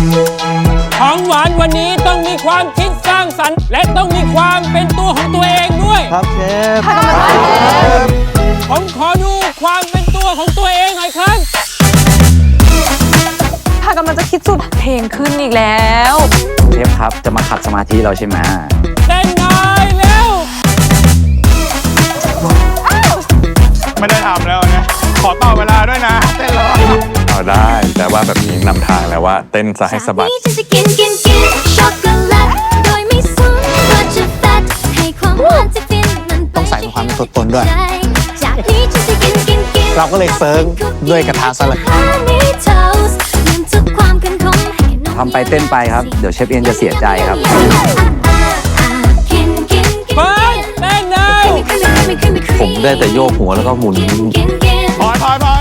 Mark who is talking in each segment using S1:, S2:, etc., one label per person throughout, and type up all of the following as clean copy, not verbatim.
S1: ของหวานวันนี้ต้องมีความคิดสร้างสรรค์และต้องมีความเป็นตัวของตัวเองด้วย
S2: ครับเชฟ
S1: ผมขอดูความเป็นตัวของตัวเองหน่อยครับ
S3: ถ้ากำลังจะคิดสุดเพลงขึ้นอีกแล้ว
S2: เชฟครับจะมาขัดสมาธิเราใช่ไหม
S1: เต้นหน่อยเร็ว
S4: ไม่ได้ทำแล้วนะขอต่อเวลาด้วยนะเต้นรอ
S5: เอาได้แต่ว่าแบบนี้นำทางแล้วว่าเต้นซะให้สะบัด
S2: ต้องใส่ความเป็นตัวตนด้วยเราก็เลยเซิร์ฟด้วยกระทะสลัดทำไปเต้นไปครับเดี๋ยวเชฟเอียนจะเสียใจครับ
S1: เฟิร์สเต้นเลย
S2: ผมได้แต่โยกหัวแล้วก็หมุน
S4: พอย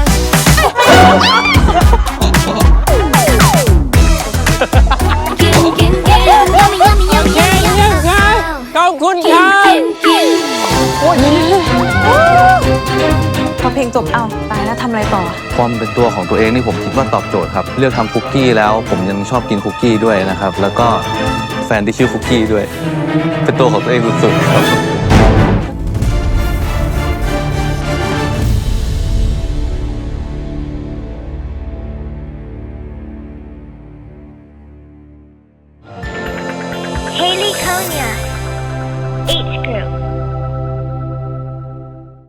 S1: ขอบคุณครับ
S3: พอเพลงจบเอ้าตายแล้วทำอะไรต่อ
S2: ความเป็นตัวของตัวเองนี่ผมคิดว่าตอบโจทย์ครับเลือกทำคุกกี้แล้วผมยังชอบกินคุกกี้ด้วยนะครับแล้วก็แฟนที่ชื่อคุกกี้ด้วยเป็นตัวของตัวเองสุดๆครับ
S6: Haley Konya